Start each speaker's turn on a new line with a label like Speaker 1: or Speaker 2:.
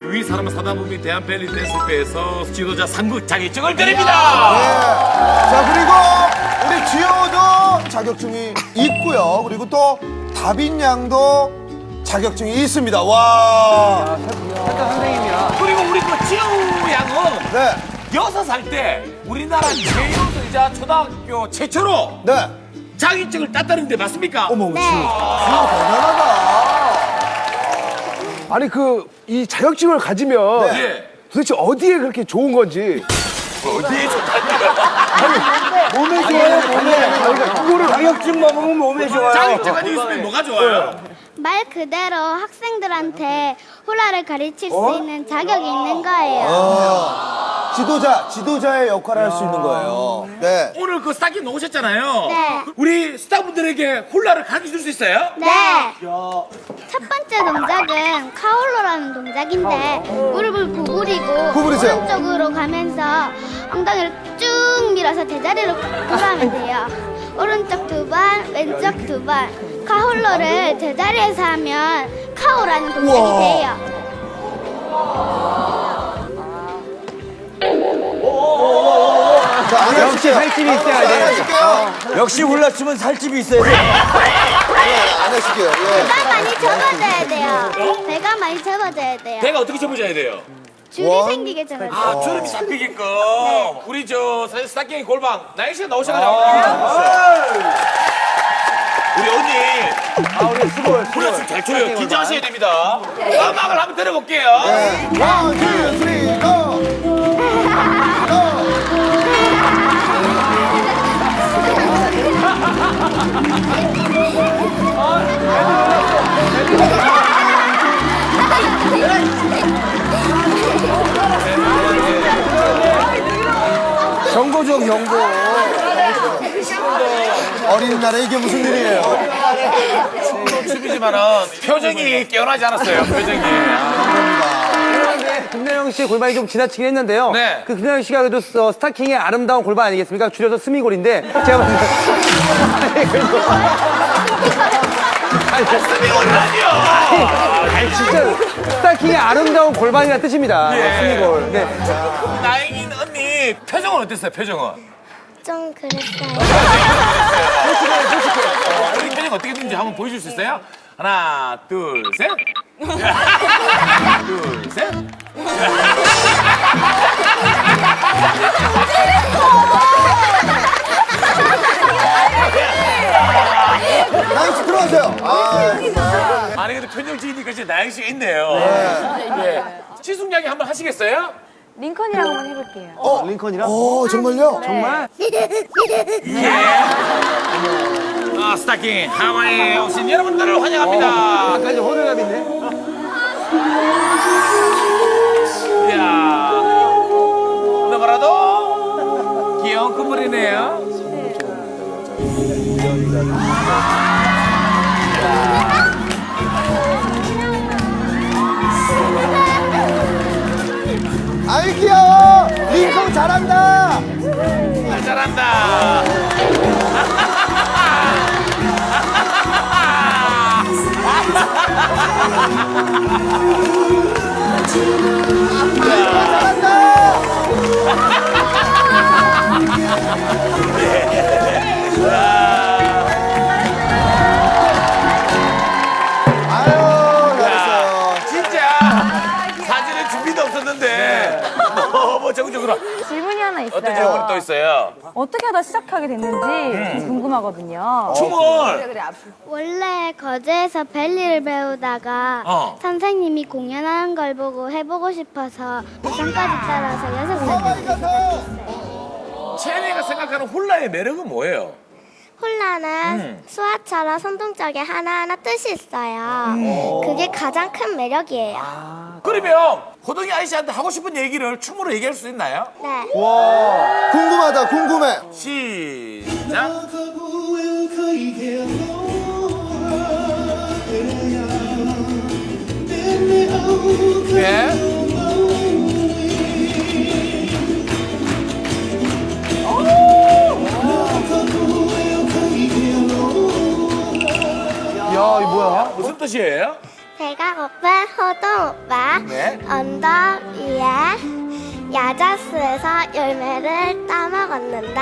Speaker 1: 위 사람을 사다 보면 대한벨리 댄스배에서 지도자 상급 자격증을 드립니다.
Speaker 2: 자, 그리고 우리 지효도 자격증이 있고요. 그리고 또 다빈 양도 자격증이 있습니다. 와.
Speaker 1: 그리고 우리 그 지우 양은
Speaker 2: 네.
Speaker 1: 6살 때 우리나라 제일이자 초등학교 최초로
Speaker 2: 네.
Speaker 1: 자격증을 땄다는데 맞습니까?
Speaker 2: 어머,
Speaker 3: 네.
Speaker 2: 지효 대단하다.
Speaker 4: 아니 이 자격증을 가지면
Speaker 1: 예.
Speaker 4: 도대체 어디에 그렇게 좋은 건지.
Speaker 1: 어디에 좋다니까?
Speaker 4: 몸에 좋아요, 몸에. 그러니까 그거를
Speaker 5: 자격증 먹으면 몸에 좋아요.
Speaker 1: 자격증 가지고 있으면 뭐가 좋아요?
Speaker 3: 말 그대로 학생들한테 훌라를 가르칠 수 있는 자격이 있는 거예요.
Speaker 2: 지도자의 역할을 할 수 있는 거예요. 네.
Speaker 1: 오늘 그 스타킹 나오셨잖아요.
Speaker 3: 네.
Speaker 1: 우리 스타분들에게 훌라를 가르쳐 줄 수 있어요?
Speaker 3: 네. 첫 번째 동작은 카울로라는 동작인데 무릎을 구부리고
Speaker 2: 구부리세요.
Speaker 3: 오른쪽으로 가면서 엉덩이를 쭉 밀어서 대자리로 돌아가면 돼요. 오른쪽 두 번, 왼쪽 두 번. 카울로를 제자리에서 하면 카오라는 동작이 돼요.
Speaker 2: 자, 안
Speaker 5: 역시
Speaker 2: 하실게요.
Speaker 5: 살집이 있어야
Speaker 2: 안
Speaker 5: 돼.
Speaker 2: 하실게요.
Speaker 5: 역시 훌라춤은 살집이 있어야 돼.
Speaker 2: 안 하실게요. 예.
Speaker 3: 배가 많이 접어져야 돼요. 배가 많이 접어져야 돼요.
Speaker 1: 배가 어떻게 접어져야 돼요?
Speaker 3: 줄이
Speaker 2: 원.
Speaker 3: 생기게 접어져야 돼요.
Speaker 1: 아, 주름이 잡히게끔. 우리 사실 스타킹 골방 나영 씨가 나오셔가지고. 우리 언니.
Speaker 5: 우리 수고해.
Speaker 1: 훌라 춤잘 춰요. 긴장하셔야 됩니다. 음악을 한번 들어볼게요.
Speaker 2: 원, 투, 쓰리, 고!
Speaker 5: 경고죠, 경고.
Speaker 2: 어린날에 이게 무슨 일이에요?
Speaker 1: 춤이지만은 표정이 깨어나지 않았어요. 표정이.
Speaker 5: 그런데 김나영 씨의 골반이 좀 지나치긴 했는데요.
Speaker 1: 네.
Speaker 5: 그 김나영 씨가 그래도 스타킹의 아름다운 골반 아니겠습니까? 줄여서 스미골인데 제가 봤을 때
Speaker 1: 스미골 아니요.
Speaker 5: 아니 진짜 스타킹의 아름다운 골반이라는 뜻입니다.
Speaker 1: 예.
Speaker 5: 스미골. 네.
Speaker 1: 나영이 언니 표정은 어땠어요? 표정은?
Speaker 3: 좀 그랬어요.
Speaker 1: 우리 표정 어떻게 되는지 한번 보여줄 수 있어요? 하나, 둘, 셋. 둘, 셋.
Speaker 2: 나영 씨 들어가세요. 아,
Speaker 1: 아니 근데 편정지니까 진짜 나영 씨가 있네요. 네. 지숙양이 한번 하시겠어요?
Speaker 6: 링컨이라고 한번 해볼게요.
Speaker 5: 링컨이랑?
Speaker 2: 정말요?
Speaker 5: 정말?
Speaker 1: 아, 스타킹 하와이에 오신 여러분들을 환영합니다.
Speaker 5: 아까 좀 호들갑 있네.
Speaker 1: 이야, 너무나도 귀여운 커플이네요.
Speaker 2: 아이 귀여워. 링컨 잘한다.
Speaker 1: 잘한다.
Speaker 2: 아유, 잘했어요.
Speaker 1: 진짜 사진에 준비도 없었는데 너무 정적으로.
Speaker 6: 질문이 하나 있어요.
Speaker 1: 어떤 질문이 또 있어요?
Speaker 6: 어떻게 하다 시작하게 됐는지 좀 궁금하거든요.
Speaker 1: 춤을
Speaker 3: 원래 거제에서 벨리를 배우다가 선생님이 공연하는 걸 보고 해보고 싶어서 부산까지 따라서 6살 때 시작했어요.
Speaker 1: 채니가 생각하는 훌라의 매력은 뭐예요?
Speaker 3: 홀라는 수화처럼 손동작에 하나하나 뜻이 있어요. 그게 가장 큰 매력이에요.
Speaker 1: 그러면 호동이 아이씨한테 하고 싶은 얘기를 춤으로 얘기할 수 있나요?
Speaker 3: 네.
Speaker 2: 궁금하다, 궁금해.
Speaker 1: 시작. 예.
Speaker 5: 야, 이거 뭐야?
Speaker 1: 무슨 뜻이에요?
Speaker 3: 배가 고픈 호동 오빠.
Speaker 1: 네.
Speaker 3: 언덕 위에 야자수에서 열매를 따먹었는데